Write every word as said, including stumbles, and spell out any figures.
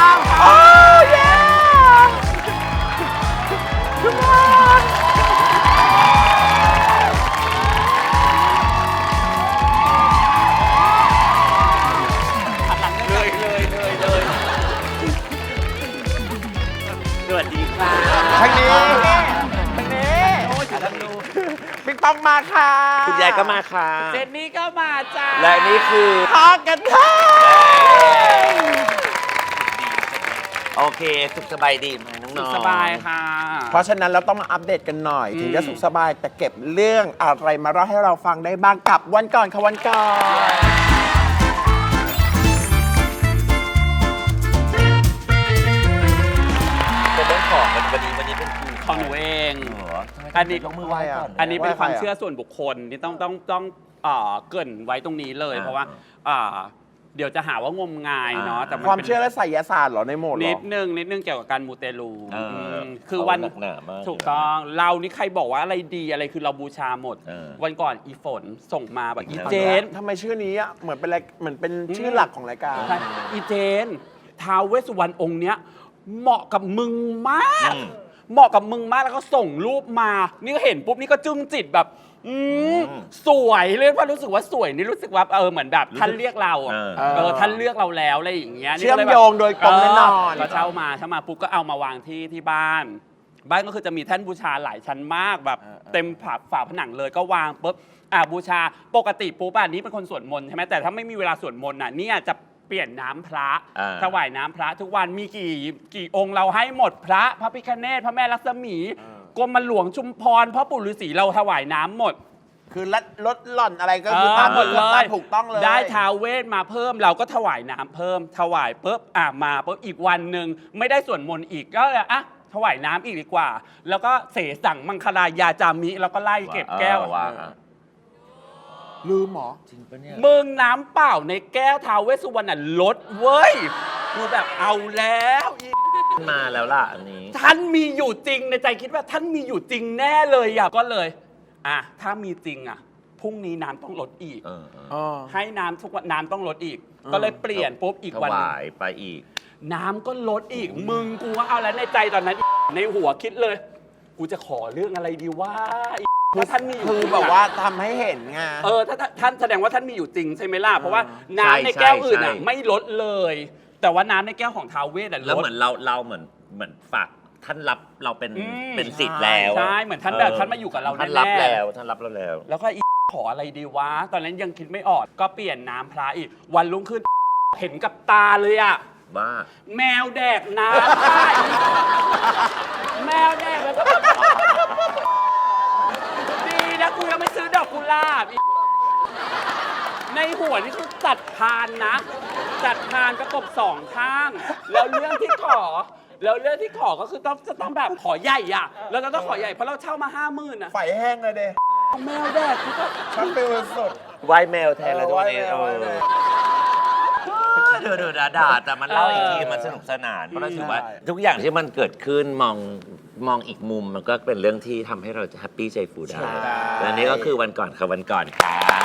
ามค่ะโอ้ยทุกคนเลยเลยเลยเลยสวัสดีค่ะทางนี้ทางนี้โอ้ยฉันดูปิ๊งปองมาค่ะคุณยายก็มาค่ะเจนนี่ก็มาจ้าและนี่คือทอกันค่ะโอเค สุขสบายดีไหมน้องๆสุขสบายค่ะเพราะฉะนั้นเราต้องมาอัปเดตกันหน่อย ถึงจะสุขสบายแต่เก็บเรื่องอะไรมาเล่าให้เราฟังได้บ้างกับวันก่อนค่ะวันก่อนเป็นเรื่องของวันวันนี้วันนี้เป็นคือของหนูเองเหรออันนี้ยกมือไหว้ก่อนอันนี้เป็นไหว้ใครความอะเชื่อส่วนบุคคลที่ต้องต้องต้องเอ่อเกริ่นไว้ตรงนี้เลยอ่าเพราะว่าอ่าเดี๋ยวจะหาว่างมงายเนาะอ่าแต่นความป็นเชื่อและไสยศาสตร์เหรอในโหมดเหรนิอดนึงนิดนึงเกี่ยวกับการมูเตลูเอออืมคือวันเอาหนักหนามากถูกต้องเรานี่ใครบอกว่าอะไรดีอะไรคือเราบูชาหมดเออวันก่อนอีฝนส่งมาแบบอีเอาเจละนทำไมชื่อนี้อ่ะเหมือนเป็นอะไรเหมือนเป็นชื่อหลักของรายการใช่อีเจนท้าวเวสสุวรรณองค์เนี้ยเหมาะกับมึงมากอืมเหมาะกับมึงมากแล้วก็ส่งรูปมา นี่ก็เห็นปุ๊บนี่ก็จึ้งจิตแบบ อืมอืมสวยเลยเพราะรู้สึกว่าสวยนี่รู้สึกว่าเออเหมือนแบบท่านเรียกเราอะเออเออท่านเลือกเราแล้วอะไรอย่างเงี้ยนี่เชื่อก็มลแบบโยงโดยตรงแน่นอนเก็เช่ามาเช่ามาปุ๊บก็เอามาวางที่ที่บ้าน บ้านก็คือจะมีแท่นบูชาหลายชั้นมากแบบเออเออเต็มฝาฝาผนังเลยก็วางปุ๊บอ่ะบูชาปกติปุ๊บอันนี้เป็นคนสวดมนต์ใช่ไหมแต่ถ้าไม่มีเวลาสวดมนต์น่ะเนี่ยจะเปลี่ยนน้ำพระอ่าถวายน้ำพระทุกวันมีกี่กี่องค์เราให้หมดพระพระพิฆเนศพระแม่ลักษมีกรมหลวงชุมพรพ่อปู่ฤาษีเราถวายน้ำหมดคือลดลดหล่อนอะไรก็คือตามหมดเลตามยถูกต้องเลยได้ท้าวเวทมาเพิ่มเราก็ถวายน้ำเพิ่ม ถวายปุ๊บอ่ะมาปุ๊บอีกวันหนึ่งไม่ได้ส่วนมนต์อีกก็เลยอ่ะถวายน้ำอีกดีกว่า แล้วก็เสสั่งมังคลายาจามิแล้วก็ไล่เก็บแก้วเออว่าอ่ะลืมหมอจริงปะเนี่ยมึงน้ำเปล่าในแก้วท้าวเวสสุวรรณน่ะลดเว้ยกูแบบเอาแล้วอีมาแล้วล่ะอันนี้ท่านมีอยู่จริงในใจคิดว่าท่านมีอยู่จริงแน่เลยอ่ะก็เลยอ่ะถ้ามีจริงอ่ะพรุ่งนี้น้ำต้องลดอีกเออเอออ๋อให้น้ำทุกวันน้ำต้องลดอีกอืมก็เลยเปลี่ยนปุ๊บอีกถวันหนึ่งวายไปอีกน้ำก็ลดอีก มึงกูว่าเอาแล้วในใจตอนนั้น ในหัวคิดเลย กูจะขอเรื่องอะไรดีว่าถ้าท่านมีอยู่คือจริงะแบบว่าทำให้เห็นไงเออถ้าถ้าท่านแสดงว่าท่านมีอยู่จริงใช่ไหมล่ะเพราะว่าใช่น้ำในแก้วอื่นอ่ะใช่ไม่ลดเลย แต่ว่าน้ำในแก้วของท้าวเวสอ่ะลแล้วดเหมือนเราเราเหมือนเหมือนฝากท่านรับเราเป็นอืมเป็นสิทธิ์แล้วใช่เหมือนท่านแบบท่านมาอยู่กับเราท่านแน่ๆรับแล้วท่านรับเราแล้วแล้วก็อีขออะไรดีวะ ตอนนั้นยังคิดไม่ออก ก็เปลี่ยนน้ำพระอีก วันรุ่งขึ้น เห็นกับตาเลยอะว่าแมวแดกน้ำได้แมวแดกแล้วก็แบบดีนะกูยังไม่ซื้อดอกกุหลาบอีกในหัวนี่คือจัดพานนะ จัดพานประกบสองข้าง แล้วเรื่องที่ขอ แล้วเรื่องที่ขอก็คือต้องจะต้องแบบขอใหญ่อะแล้วเราต้องขอใหญ่เพราะเราเช่ามาห้าหมื่นอะไฟแห้งเลยเด้แมวแดกกูก็ชักฟิลสุดไหวแมวแทนแล้วทุกวันนี้เออไหว้แมวเดือดเดือดด่าแต่มันเล่าอีกทีมันสนุกสนานเพราะเราถือว่า ทุกอย่างที่มันเกิดขึ้นมองมองอีกมุมมันก็เป็นเรื่องที่ทำให้เราจะแฮปปี้ใจฟูได้ใช่และนี่ก็คือวันก่อนค่ะวันก่อนค่ะ